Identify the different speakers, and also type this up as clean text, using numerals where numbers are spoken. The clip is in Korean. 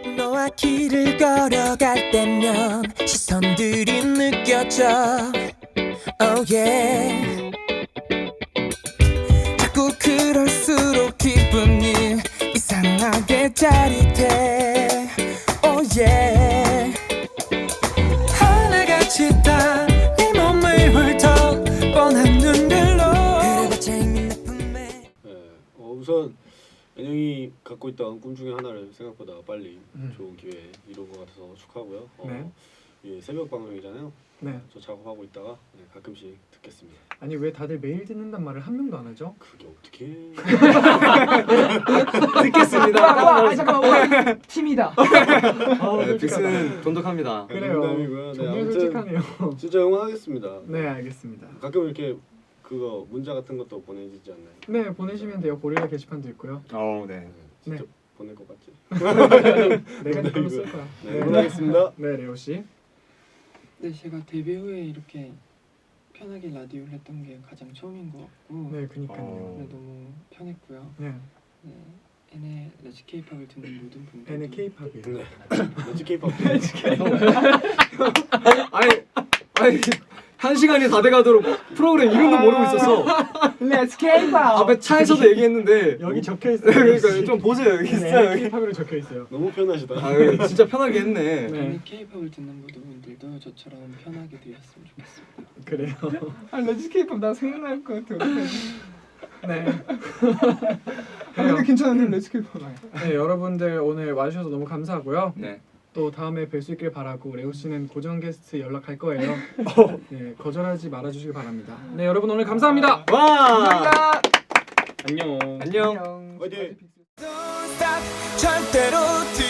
Speaker 1: 너와 길을 걸어갈 때면 시선들이 느껴져. Oh yeah. 자꾸 그럴수록 기분이 이상하게 짜릿해. Oh yeah. 하나같이 다 네 몸을 훑어 뻔한 눈들로 그래봤자 이미 내 품에.
Speaker 2: 우선 은영이 갖고 있던 꿈 중에 하나를 생각보다 빨리 좋은 기회에 이룬 것 같아서 축하하고요.
Speaker 3: 네.
Speaker 2: 예, 새벽 방송이잖아요.
Speaker 3: 네.
Speaker 2: 저 작업하고 있다가 가끔씩 듣겠습니다.
Speaker 3: 아니 왜 다들 매일 듣는단 말을 한 명도 안 하죠?
Speaker 2: 그게 어떻게?
Speaker 4: 듣겠습니다. 잠깐만. 팀이다.
Speaker 5: 빅스는 돈독합니다.
Speaker 3: 그래요.
Speaker 2: 농담이고요. 네,
Speaker 3: 정말
Speaker 2: 아무튼
Speaker 3: 솔직하네요.
Speaker 2: 진짜 응원하겠습니다.
Speaker 3: 네, 알겠습니다.
Speaker 2: 가끔 이렇게 그거 문자 같은 것도 보내지지 않나요?
Speaker 3: 네, 보내시면 돼요. 고릴라 게시판도 있고요.
Speaker 5: 네.
Speaker 2: 진짜
Speaker 3: 네.
Speaker 2: 보낼 것 같지?
Speaker 3: 내가 댓글로 쓸 거야.
Speaker 2: 네, 응원하겠습니다.
Speaker 3: 네, 레오 씨.
Speaker 4: 네, 제가 데뷔 후에 이렇게 편하게 라디오를 했던 게 가장 처음인 것 같고
Speaker 3: 네, 그니까요.
Speaker 4: 네, 너무 편했고요.
Speaker 3: 네,
Speaker 4: 네, N의 레츠 K-팝을 듣는 모든 분들
Speaker 3: N의 K-팝이에요.
Speaker 2: 네. 렌즈 케이팝.
Speaker 5: 아니 1시간이 다 돼가도록 프로그램 이름도 모르고 있었어.
Speaker 4: Let's K-팝!
Speaker 5: 앞에 차에서도 얘기했는데
Speaker 3: 여기 적혀 있어요.
Speaker 5: 그러니까 좀 보세요. 여기 있어요. 여기.
Speaker 3: K-팝으로 적혀 있어요.
Speaker 2: 너무 편하시다.
Speaker 5: 아 진짜 편하게 했네.
Speaker 3: 네.
Speaker 4: N의 K-팝을 듣는 모든 분들도 저처럼 편하게 되었으면 좋겠습니다.
Speaker 3: 그래요.
Speaker 4: 레츠 K-팝 나 생각날 것 같아.
Speaker 3: 네.
Speaker 4: 근데 괜찮은데 레츠 K-팝
Speaker 3: 네, 여러분들 오늘 와주셔서 너무 감사하고요.
Speaker 5: 네.
Speaker 3: 또 다음에 뵐 수 있길 바라고 레오 씨는 고정 게스트 연락할 거예요. 네, 거절하지 말아주시길 바랍니다. 네, 여러분 오늘 감사합니다.
Speaker 5: 와.
Speaker 6: 안녕.
Speaker 5: 안녕.
Speaker 2: 화이팅!
Speaker 1: Don't stop, 절대로